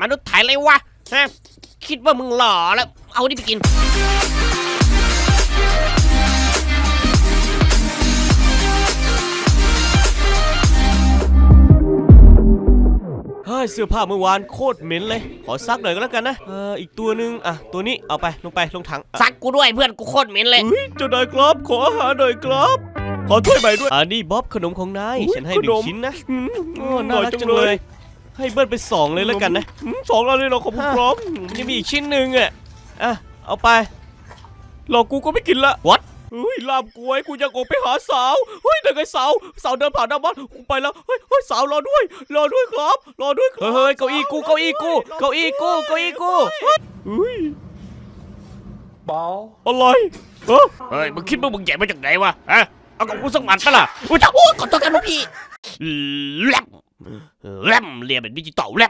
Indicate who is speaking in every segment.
Speaker 1: นุษย์ไทยเลยวะฮะคิดว่ามึงหล่อแล้วเอาดิไปกิน
Speaker 2: เฮ้ยเสื้อผ้าเมื่อวานโคตรเหม็นเลยขอซักหน่อยก็แล้วกันนะอีกตัวนึงตัวนี้เอาไปลงถัง
Speaker 1: ซักกูด้วยเพื่อนกูโคตรเหม็นเลย
Speaker 2: เจ้านายครับขออาหารหน่อยครับขอถ้วยใหม่ด้วยนี่บ๊อบขนมของนายฉันให้1 ชิ้นนะน่ารักจังเลยให้เบิ้ลไป2เลยแล้วกันนะ2แล้วเลยเราขอบคุณครับยังมีอีกชิ้นนึงเอาไปหลอกกูก็ไม่กินละ
Speaker 1: What
Speaker 2: ลามกล้วยกูอยากออกไปหาสาวเดี๋ยวไงสาวเดินผ่านหน้าบ้านกูไปแล้วสาวรอด้วยครับเฮ้ยเก้าอี้กู
Speaker 3: เบา
Speaker 2: อะไร
Speaker 1: เฮ้ยมึงคิดว่ามึงใหญ่มาจากไหนวะฮะเอากับกูสักหมัดปะล่ะอุ้ยจ้าโอ้ขอโทษกันลูกพี่แลมเรียนเป็นดิจิตอลแลม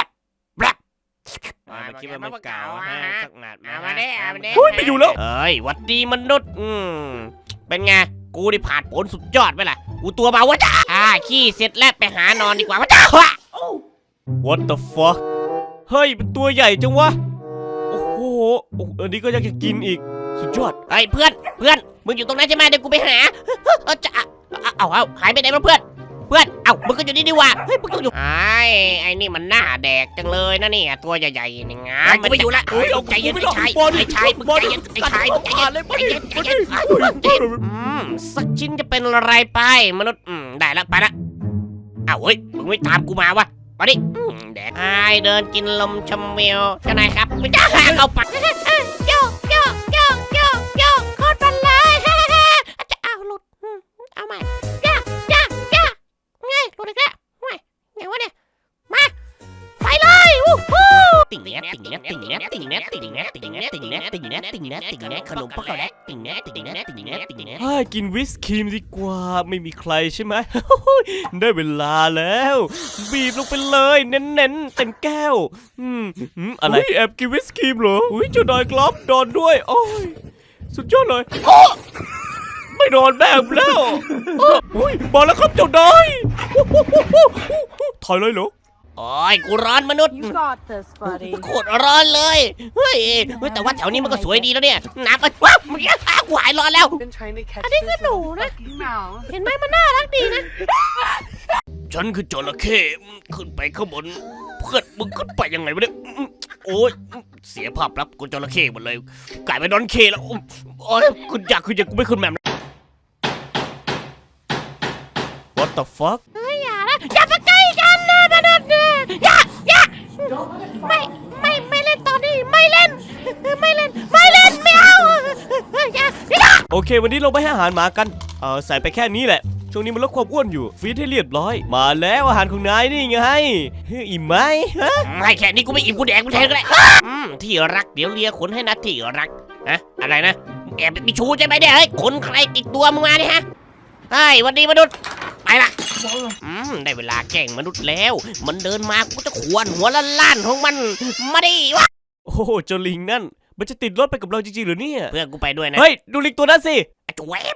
Speaker 1: คิดว่าไม่เก่าสักหมัดมาได้
Speaker 2: ไม่อยู่แล้ว
Speaker 1: เฮ้ยวัดดีมนุษย์เป็นไงกูได้ผ่านผลสุดยอดไปล่ะกูตัวเบาวะจ้าขี้เสร็จแล้วไปหานอนดีกว่าวะจ้า
Speaker 2: What the fuck เฮ้ยเป็นตัวใหญ่จังวะโอ้โหอันนี้ก็อยากจะกินอีกสุดยอด
Speaker 1: เฮ้ยเพื่อนมึงอยู่ตรงนั้นใช่ไหมเดี๋ยวกูไปหาจะเอาหายไปไหนมาเพื่อนมึงก็อยู่นี่ดีว่าเฮ้ยมึงต้องอยู่ไอ้นี่มันหน้าแดกจังเลยนะเนี่ยตัวใหญ่ๆนี่งามมันไม่อยู่ละใจเย็นไอ้ชายมึงใจเย็นสักชิ้นจะเป็นอะไรไปมนุษย์ได้แล้วไปละเฮ้ยมึงไม่ตามกูมาวะมาดิแดกเดินกินลมชมวิวเจ้านายครับไม่จ้าเอาปัดโยโคตรบันเลยจะเอาหลุดเอาใหม่หลุดอีกแล้วไงวะเนี่ยมาไปเลยติ่งแนทขนมปังแนทติ่งแนท
Speaker 2: กินวิสครีมดีกว่าไม่มีใครใช่ไหมได้เวลาแล้วบีบลงไปเลยเน้นเต็มแก้วอะไรแอบกินวิสครีมเหรอเจ้านายครับนอนด้วยโอ้ยสุดยอดเลยไม่นอนแบบแล้วมาแล้วครับเจ้านายถอยเลยเหรอ
Speaker 1: โอ้ยกูร้อนมนุษย์โคตรร้อนเลยเฮ้ยแต่ว่าแถวนี้มันก็สวยดีแล้วเนี่ยน้ำว้าวมึงกูหายร้อนแล้วอันนี้ก็หนูนะเห็นไหมมันน่ารักดีนะฉันคือจระเข้ขึ้นไปข้างบนเพื่อนมึงขึ้นไปยังไงวะเนี่ยโอ้ยเสียภาพลักษณ์กูจระเข้หมดเลยกลายเป็นดอนเคแล้วโอ้ยคุณอยากกูไม่ขึ้นแมม
Speaker 2: What the fuck
Speaker 1: อย่ามาใกล้กันนะมนุษย์อย่าไม่เล่นตอนนี้ไม่เล่นไม่เอา
Speaker 2: โอเควันนี้เราไปให้อาหารหมากันใส่ไปแค่นี้แหละช่วงนี้มันลดความอ้วนอยู่ฟีดให้เรียบร้อยมาแล้วอาหารของนายนี่ไงอิ่มไหม
Speaker 1: ไม่แค่นี้กูไม่อิ่มกูแดกกูแทนก็ได้ที่รักเดี๋ยวเลียขนให้นะที่รักอะไรนะแอบมีชูใช่ไหมเนี่ยเฮ้ยขนใครติดตัวมึงมาเนี่ยฮะเฮ้ยวันนี้มนุษย์ไปละได้เวลาแกล้งมนุษย์แล้วมันเดินมากูจะขวนหัวล้านของมันมาดิวะ
Speaker 2: โอ้เจ้าลิงนั่นมันจะติดรถไปกับเราจริงๆหรือเนี่ย
Speaker 1: เพื่อนกูไปด้วยนะ
Speaker 2: เฮ้ยดูลิงตัวนั้นสิ
Speaker 1: จุ๊บ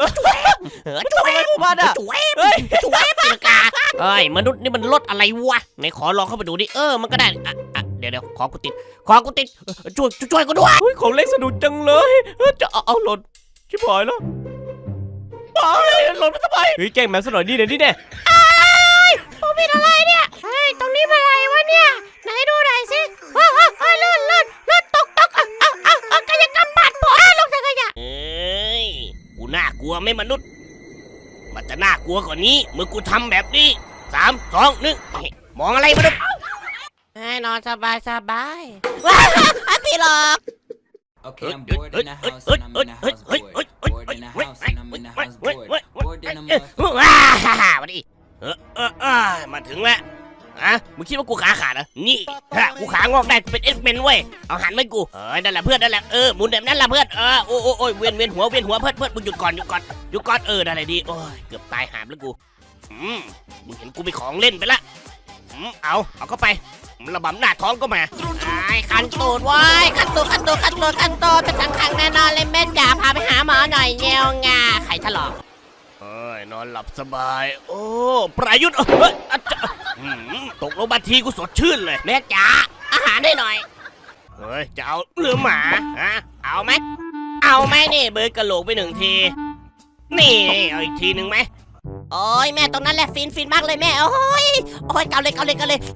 Speaker 2: มาด่ะ
Speaker 1: จุ๊บตีลกาเฮ้ยมนุษย์นี่มันรถอะไรวะไหนขอลองเข้าไปดูดิมันก็ได้เดี๋ยวขอกูติดช่วยกูด้วย
Speaker 2: ของเล็กสนุกจังเลยจะเอาหล่นชิบหายแล้วหล่นมาทำไมแกล้งแมวซะหน่อยนี่เนี่ย
Speaker 1: ผมเป็นอะไรเนี่ยตรงนี้มันอะไรวะเนี่ยไหนดูหน่อยสิเลื่อนตกกายกรรมบาดพอลงถังขยะกูน่ากลัวไหมมนุษย์มันจะน่ากลัวกว่านี้เมื่อกูทำแบบนี้3 2 1มองอะไรมนุษย์นอนสบายว้าวพี่หลอก
Speaker 4: Okay, I'm bored in the house and I'm in the house bored. Bored in the house and I'm in the house bored. Bored in the mud.
Speaker 1: ว้ามาดิมาถึงแล้วมึงคิดว่ากูขาขาดเหรอนี่กูขางอกได้กูเป็นเอ็กเมนเว้ยเอาหันไว้กูนั่นแหละเพื่อนนั่นแหละหมุนแบบนั้นแหละเพื่อนโอ้ยเวียนหัวเพื่อนมึงหยุดก่อนได้เลยดีโอ้ยเกือบตายหามแล้วกูมึงเห็นกูมีของเล่นไปละเอาเข้าไประบำหน้าท้องก็มาคันตูดว้ยคันตูดเป็นสังขังแน่นอนเลยแม่จ๋าพาไปหาหมอหน่อยเงี้ยงาไข่ถลอกนอนหลับสบายโอ้ประยุทธ์ตกลงมาทีกูสดชื่นเลยแม่จ๋าอาหารได้หน่อยเฮ้ยจะเอาหรือหมาฮะเอาไหมนี่เบิร์ดกระโหลกไป1 ทีนี่เอาอีกทีหนึ่งไหมโอ้ยแม่ตรงนั้นแหละฟินมากเลยแม่โอ้ยเกาเลยเกา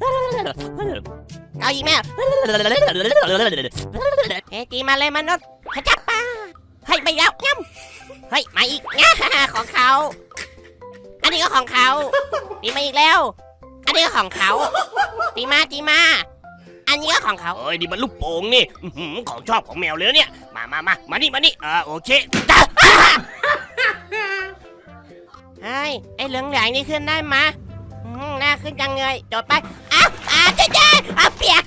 Speaker 1: อีกแม่เฮ้ยจีมาเลยมนุษย์ขจับป้าให้ไปแล้วย่ำเฮ้ยมาอีกของเขาอันนี้ก็ของเขาตีมาอีกแล้วอันนี้ก็ของเขาตีมาอันนี้ก็ของเขาเอ้ยนี่มันลูกโป่งนี่ของชอบของแมวเลยเนี่ยมานี่โอเคไอ้เหลืองใหญ่นี่ขึ้นได้มาน่าขึ้นจังเลยจบไปเจ๊เปียก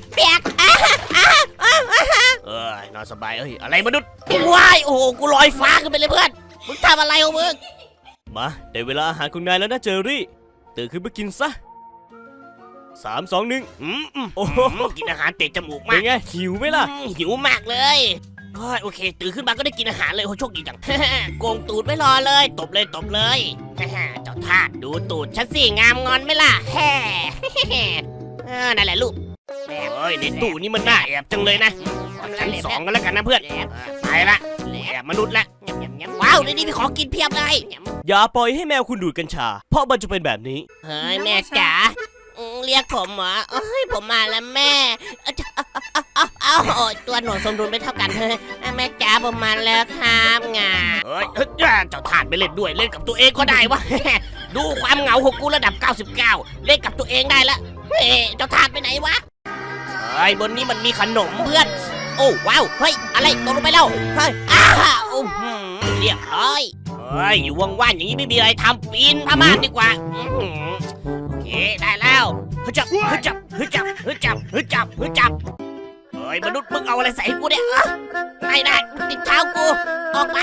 Speaker 1: นอนสบายอะไรมนุษย์ว้ายโอ้โหกูลอยฟ้าขึ้นไปเลยเพื่อนมึงทำอะไรของมึง
Speaker 2: มาได้เวลาอาหารของนายแล้วนะเจอรี่ตื่นขึ้นมากินซะ3 2 1โอ้โห
Speaker 1: กินอาหารเตะจมูก
Speaker 2: เป็
Speaker 1: มาก
Speaker 2: นไงหิวไหมล่ะ
Speaker 1: หิวมากเลยโอเคตื่นขึ้นมาก็ได้กินอาหารเลยโอ้โชคดีจัง โกงตูดไม่รอเลยตบเลยเจ้าทาสดูตูดฉันสิงามงอนไหมล่ะแฮ่นั่นแหละลูกในตู้นี่มันน่าแอบจังเลยนะชั้น2กันแล้วกันนะเพื่อนไปละแอบมนุษย์ละว้าวในนี้มีของกินเพียบเลย
Speaker 2: อย่าปล่อยให้แมวคุณดูดกัญชาเพราะมันจะเป็นแบบนี้
Speaker 1: เฮ้ยแม่จ๋าเรียกผมเหรอผมมาแล้วแม่ตัวหนูสมดุลไม่เท่ากันเฮ้ยแม่จ๋าผมมาแล้วครับงาเจ้าถาดไปเล่นด้วยเล่นกับตัวเองก็ได้วะ ดูความเหงาของกูระดับ99เล่นกับตัวเองได้ละเจ้าถาดไปไหนวะบนนี้มันมีขนมเพื่อนโอ้ว้าวเฮ้ยอะไรตกลงไปแล้วเฮ้ยเรียบร้อยอยู่ว่างๆอย่างนี้ไม่มีอะไรทำปีนผ้าม่านดีกว่าโอเคได้แล้วฮึจับมนุษย์มึงเอาอะไรใส่กูเนี่ยไม่ได้ติดเท้ากูออกไป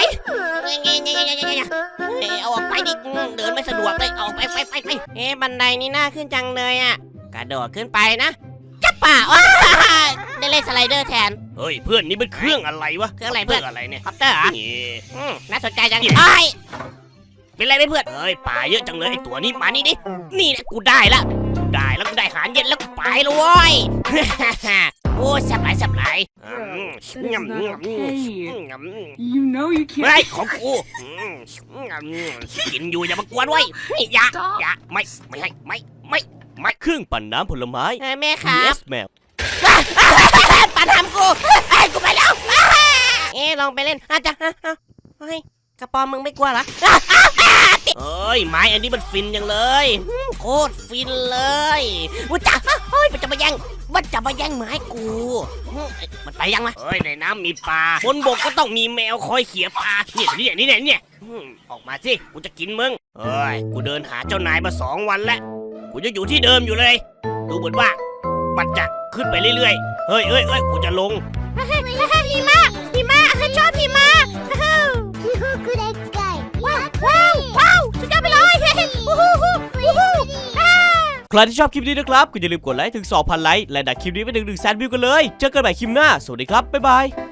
Speaker 1: เอาออกไปดิเดินไม่สะดวกเลยออกไปบันไดนี่น่าขึ้นจังเลยอ่ะกระโดดขึ้นไปนะจับป่าได้เล่นสไลเดอร์แทนเฮ้ยเพื่อนนี่เป็นเครื่องอะไรวะเครื่องอะไรเพื่อนอะไรเนี่ยคอปเตอร์น่าสนใจจังเป็นไรไหมเพื่อนป่าเยอะจังเลยไอตัวนี้มานี่ดินี่นะกูได้แล้วกูได้อาหารเย็นแล้วกูไปเลยเว้ยโอ้สับไหล
Speaker 3: You know you
Speaker 1: เฮ้ย
Speaker 3: can't.
Speaker 1: ของกูกินอยู่อย่ามากวนไว้อย่าไม่ให้
Speaker 2: เครื่องปั่นน้ำผลไม้
Speaker 1: แม่ครับ
Speaker 2: yes แมว
Speaker 1: ปันทำกูกูไปแล้วลองไปเล่นจ้ะเฮ้ยกระป๋อมมึงไม่กลัวเหรอไม้อันนี้มันฟินจังเลยโคตรฟินเลยมันจะมาแย่งไม้กูมันไปยังวะในน้ำมีปลาบนบกก็ต้องมีแมวคอยเขี่ยปลาเนี่ยออกมาสิกูจะกินมึงกูเดินหาเจ้านายมา2 วันแล้วกูจะอยู่ที่เดิมอยู่เลยดูเหมือนว่ามันจะขึ้นไปเรื่อยๆเฮ้ยกูจะลงหิมะชอบหิมะว้าวสุดยอดไปเลย
Speaker 2: ใครที่ชอบคลิปนี้นะครับก็อย่าลืมกดไลค์ถึง 2,000 ไลค์และดักคลิปนี้ไปถึง 100,000 วิวกันเลยเจอกันใหม่คลิปหน้าสวัสดีครับบ๊ายบาย